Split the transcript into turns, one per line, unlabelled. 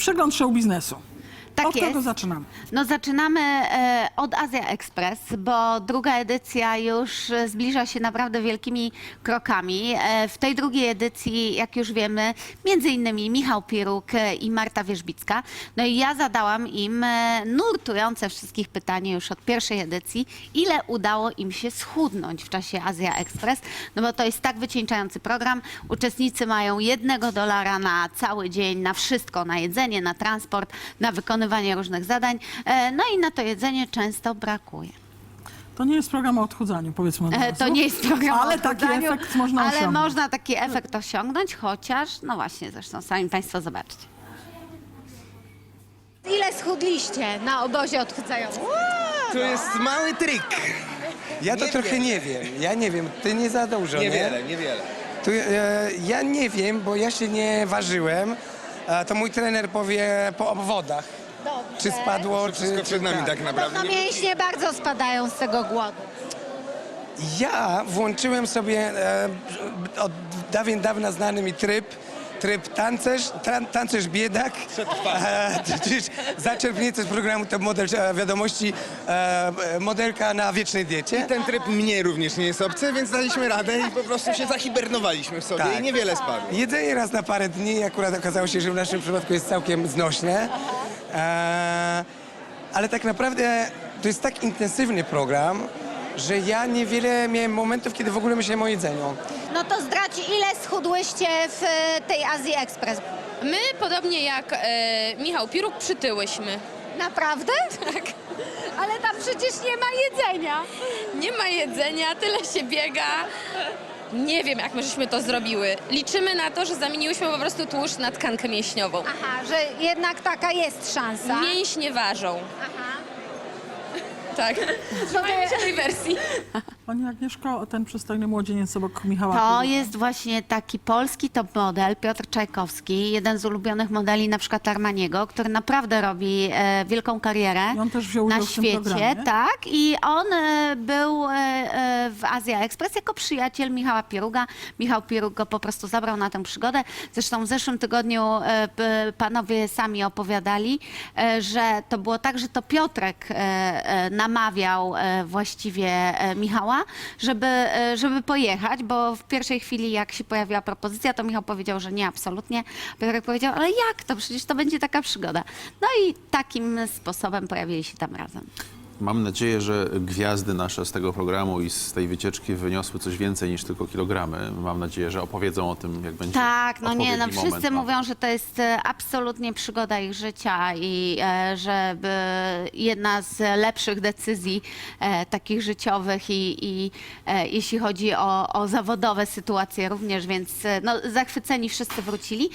Przegląd show biznesu.
Tak
Od czego
jest.
zaczynamy?
No zaczynamy od Azja Express, bo druga edycja już zbliża się naprawdę wielkimi krokami. W tej drugiej edycji, jak już wiemy, między innymi Michał Piruk i Marta Wierzbicka. No i ja zadałam im nurtujące wszystkich pytanie już od pierwszej edycji, ile udało im się schudnąć w czasie Azja Express, no bo to jest tak wycieńczający program. Uczestnicy mają $1 na cały dzień, na wszystko, na jedzenie, na transport, na wykonywanie różnych zadań. No i na to jedzenie często brakuje.
To nie jest program o odchudzaniu, powiedzmy od razu.
To nie jest program
Ale
o
taki
odchudzaniu,
efekt można
ale
osiągnąć.
można taki efekt osiągnąć, chociaż, no właśnie, zresztą sami Państwo zobaczcie.
Ile schudliście na obozie odchudzającym?
To jest mały trik.
Ja to trochę nie wiem. Ja nie wiem, ty nie za dużo, nie?
Niewiele.
Tu, ja nie wiem, bo ja się nie ważyłem. To mój trener powie po obwodach,
Dobrze.
czy spadło,
Wszystko
czy...
przed nami tak naprawdę.
No mięśnie bardzo spadają z tego głodu.
Ja włączyłem sobie od dawien dawna znany mi tryb tancerz biedak, czyli zaczerpnięty z programu Top Model Wiadomości, modelka na wiecznej diecie.
Ten tryb mnie również nie jest obcy, więc daliśmy radę i po prostu się zahibernowaliśmy w sobie
Tak.
i niewiele spadło.
Jedzenie raz na parę dni akurat okazało się, że w naszym przypadku jest całkiem znośne. Ale tak naprawdę to jest tak intensywny program, że ja niewiele miałem momentów, kiedy w ogóle myślałem o jedzeniu.
No to zdradź, ile schudłyście w tej Azji Express?
My, podobnie jak Michał Piruk, przytyłyśmy.
Naprawdę? Tak. Ale tam przecież nie ma jedzenia.
Nie ma jedzenia, tyle się biega. Nie wiem, jak my żeśmy to zrobiły. Liczymy na to, że zamieniłyśmy po prostu tłuszcz na tkankę mięśniową.
Aha, że jednak taka jest szansa.
Mięśnie ważą.
Aha.
Tak. Trzymajmy się tej wersji.
Pani Agnieszko, ten przystojny młodzieniec obok Michała
To
Piruka.
jest właśnie taki polski top model, Piotr Czajkowski, jeden z ulubionych modeli na przykład Armaniego, który naprawdę robi wielką karierę
I on też wziął
na
udział w tym
świecie.
programie.
Tak, i on był w Azja Express jako przyjaciel Michała Piruga. Michał Piruk go po prostu zabrał na tę przygodę. Zresztą w zeszłym tygodniu panowie sami opowiadali, że to było tak, że to Piotrek namawiał właściwie Michała, żeby pojechać, bo w pierwszej chwili, jak się pojawiła propozycja, to Michał powiedział, że nie, absolutnie. Piotrek powiedział, ale jak to? Przecież to będzie taka przygoda. No i takim sposobem pojawili się tam razem.
Mam nadzieję, że gwiazdy nasze z tego programu i z tej wycieczki wyniosły coś więcej niż tylko kilogramy. Mam nadzieję, że opowiedzą o tym, jak będzie
Tak, no nie, no
odpowiedni
wszyscy
moment.
mówią, że to jest absolutnie przygoda ich życia i że jedna z lepszych decyzji takich życiowych i jeśli chodzi o zawodowe sytuacje również, więc no, zachwyceni wszyscy wrócili.